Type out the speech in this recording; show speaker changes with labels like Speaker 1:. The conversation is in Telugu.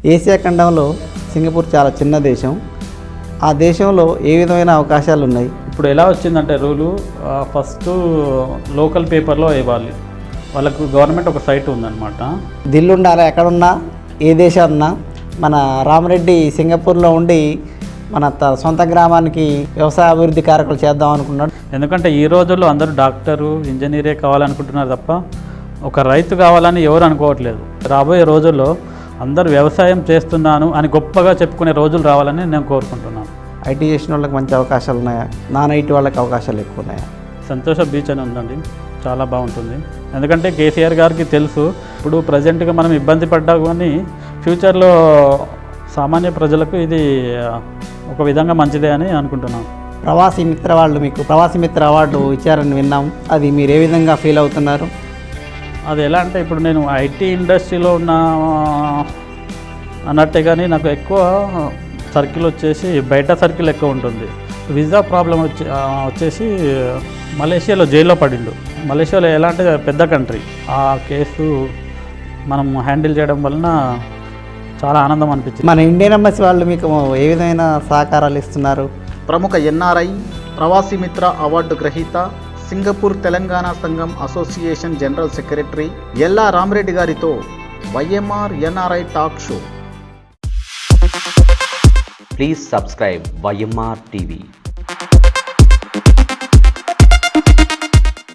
Speaker 1: ఏసియా ఖండంలో సింగపూర్ చాలా చిన్న దేశం. ఆ దేశంలో ఏ విధమైన అవకాశాలు ఉన్నాయి?
Speaker 2: ఇప్పుడు ఎలా వచ్చిందంటే రూలు, ఫస్ట్ లోకల్ పేపర్లో ఇవ్వాలి. వాళ్ళకు గవర్నమెంట్ ఒక సైట్ ఉందన్నమాట.
Speaker 1: దిల్లు ఉండాలి, ఎక్కడున్నా ఏ దేశం ఉన్నా. మన రామరెడ్డి సింగపూర్లో ఉండి మన సొంత గ్రామానికి వ్యవసాయ అభివృద్ధి కార్యక్రమాలు చేద్దాం అనుకున్నాడు.
Speaker 2: ఎందుకంటే ఈ రోజుల్లో అందరూ డాక్టరు, ఇంజనీరే కావాలనుకుంటున్నారు తప్ప ఒక రైతు కావాలని ఎవరు అనుకోవట్లేదు. రాబోయే రోజుల్లో అందరూ వ్యవసాయం చేస్తున్నాను అని గొప్పగా చెప్పుకునే రోజులు రావాలని నేను కోరుకుంటున్నాను.
Speaker 1: ఐటీ చేసిన వాళ్ళకి మంచి అవకాశాలు ఉన్నాయా? నాన్ ఐటీ వాళ్ళకి అవకాశాలు ఎక్కువ ఉన్నాయా?
Speaker 2: సంతోష బీచ్ అని ఉందండి, చాలా బాగుంటుంది. ఎందుకంటే కేసీఆర్ గారికి తెలుసు ఇప్పుడు ప్రజెంట్గా మనం ఇబ్బంది పడ్డా కానీ ఫ్యూచర్లో సామాన్య ప్రజలకు ఇది ఒక విధంగా మంచిదే అని అనుకుంటున్నాను.
Speaker 1: ప్రవాసీ మిత్ర వాళ్ళు మీకు ప్రవాసీ మిత్ర అవార్డు ఇచ్చారని విన్నాం. అది మీరు ఏ విధంగా ఫీల్ అవుతున్నారు?
Speaker 2: అది ఎలా అంటే ఇప్పుడు నేను ఐటీ ఇండస్ట్రీలో ఉన్న అన్నట్టే కానీ నాకు ఎక్కువ సర్కిల్ వచ్చేసి బయట సర్కిల్ ఎక్కువ ఉంటుంది. వీసా ప్రాబ్లం వచ్చేసి మలేషియాలో జైల్లో పడిండు. మలేషియాలో ఎలా అంటే పెద్ద కంట్రీ, ఆ కేసు మనం హ్యాండిల్ చేయడం వలన చాలా ఆనందం అనిపించింది.
Speaker 1: మన ఇండియన్ ఎంబసీ వాళ్ళు మీకు ఏ విధమైన సహకారాలు ఇస్తున్నారు?
Speaker 3: ప్రముఖ ఎన్ఆర్ఐ ప్రవాసీ మిత్ర అవార్డు గ్రహీత సింగపూర్ తెలంగాణ సంఘం association general secretary Ella Ramareddy గారితో YMR NRI talk show.
Speaker 4: Please subscribe YMR TV.